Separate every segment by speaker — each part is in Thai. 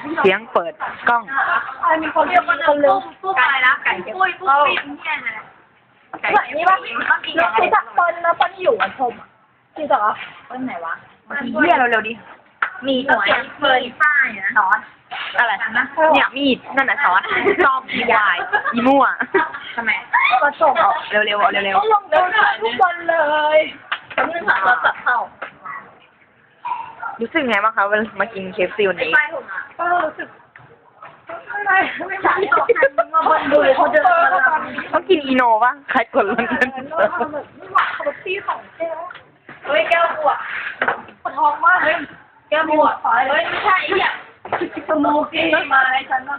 Speaker 1: เสียงเปิดกล้อง
Speaker 2: มีคนเรียกคนลืมตู้ไก่ละไก่ปุ้ยปุ้ยเนี่ยนะไก่นี่ว่าคือจากตอนแล้วตอนอยู่อันชมคือจากต้นไหนวะเหี้ยเร็วๆดิมีหน่วยเฟิร์นป้ายนะนอนอะไร
Speaker 1: เนี่ยมีดนั่นน่ะซอสชอบมีวายอีมั่ว
Speaker 2: ทำไมก็ส่ง
Speaker 1: เร็วๆเร็ว
Speaker 2: ก็ลงเดินทุกคนเลยแป๊บนึงค่ะเราจับเข้า
Speaker 1: ๆรู้สึกไงบ้างคะเวลามากินเคฟซีวันนี้
Speaker 2: ก็รู้สึกไม่ใช่ตกใจมาบนดูเขาเดินมา
Speaker 1: ต้องกินอีโนป่ะใครกดลงกัน
Speaker 2: ไม่หวานคาร์บี้ของแก้วเฮ้ยแก้วปวดปวดท้องมากเฮ้ยแก้วปวดเฮ้ยไม่ใช่เนี่ยสโมกี้มาให้ฉันว่า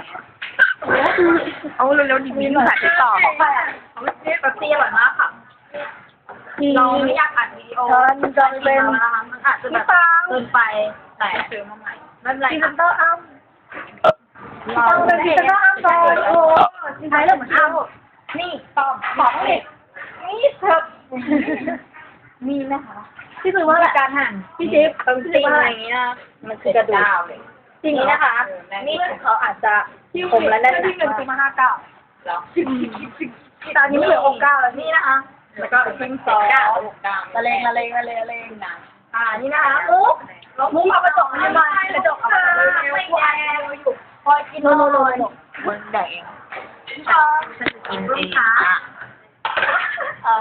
Speaker 1: เอาเร็วๆดิมีสายติดต่อ
Speaker 2: แบบตีอร่อยมากค่ะเราไม่อยากอัดวิดีโอมันจะเป็นมันอาจจะแบบเกินไปแต่ซื้อมาใหม่ไม่เป็นไรค่ะต้องอ้ำต้องเป็นพรีเซนเตอร์อ้ำก่อนโอ้ใช้เรื่องเหมือนอ้ำนี่ตอบบอกเลยนี่เถอะมีไหมคะที่คือว่าการหั่นพี่จิ๊บจริงอะไรอย่างเงี้ยมันคือกระดูกจริงนะคะนี่เขาอาจจะคมและแน่นที่เงินซื้อมา59แล้วตอนนี้เหลือ69แล้วนี่นะคะแล้วก็ทิ้งซอสละเลงนะนี่นะคะมุกเอากระจกมาให้มากระจกเอามาไม่แดงอยู่คอยกินโน่
Speaker 1: มันแดง
Speaker 2: กินเองอ๋อ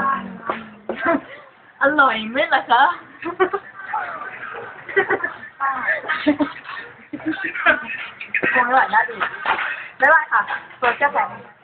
Speaker 2: อร่อยไหมล่ะคะคงอร่อยน่าดีได้ค่ะตัวแก้แข็ง